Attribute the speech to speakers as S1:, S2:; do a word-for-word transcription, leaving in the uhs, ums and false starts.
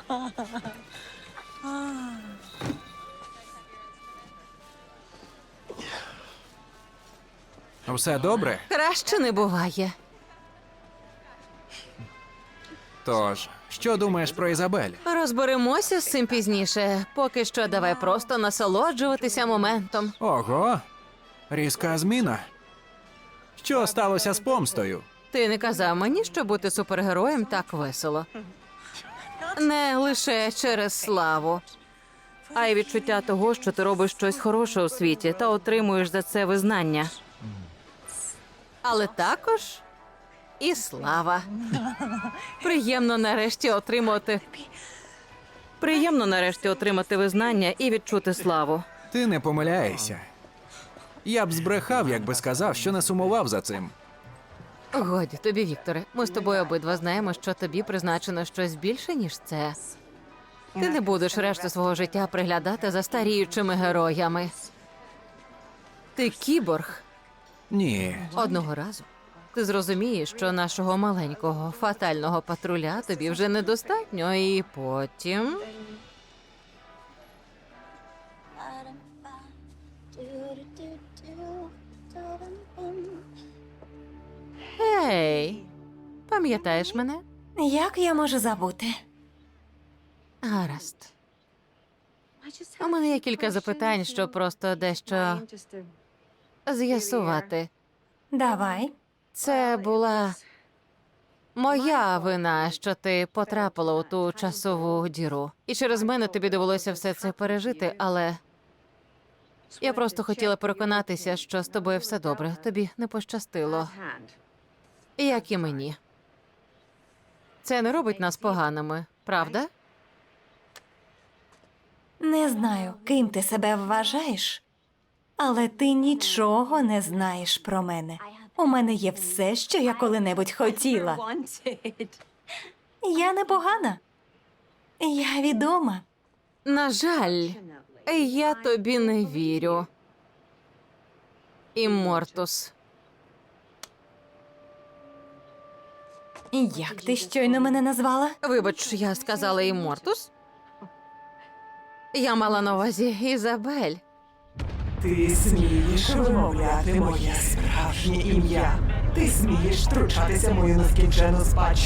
S1: Все добре?
S2: Краще не буває.
S1: Тож, що думаєш про Ізабель?
S2: Розберемося з цим пізніше. Поки що давай просто насолоджуватися моментом.
S1: Ого, різка зміна. Що сталося з помстою?
S2: Ти не казав мені, що бути супергероєм так весело. Не лише через славу, а й відчуття того, що ти робиш щось хороше у світі та отримуєш за це визнання. Але також і слава. Приємно нарешті отримати... Приємно нарешті отримати визнання і відчути славу.
S1: Ти не помиляєшся. Я б збрехав, якби сказав, що не сумував за цим.
S2: Годі тобі, Вікторе. Ми з тобою обидва знаємо, що тобі призначено щось більше, ніж це. Ти не будеш решту свого життя приглядати за старіючими героями. Ти кіборг.
S1: Ні.
S2: Одного разу ти зрозумієш, що нашого маленького фатального патруля тобі вже недостатньо, і потім... Гей, пам'ятаєш мене?
S3: Як я можу забути?
S2: Гаразд. У мене є кілька запитань, щоб просто дещо з'ясувати.
S3: Давай.
S2: Це була моя вина, що ти потрапила у ту часову діру. І через мене тобі довелося все це пережити, але я просто хотіла переконатися, що з тобою все добре. Тобі не пощастило. Як і мені. Це не робить нас поганими, правда?
S3: Не знаю, ким ти себе вважаєш, але ти нічого не знаєш про мене. У мене є все, що я коли-небудь хотіла. Я непогана. Я відома.
S2: На жаль, я тобі не вірю. Іммортус.
S3: Як ти щойно мене назвала?
S2: Вибач, я сказала Іммортус? Я мала на увазі Ізабель.
S4: Ти смієш вимовляти моє справжнє ім'я. Ти смієш втручатися в мою нескінчену спадщину.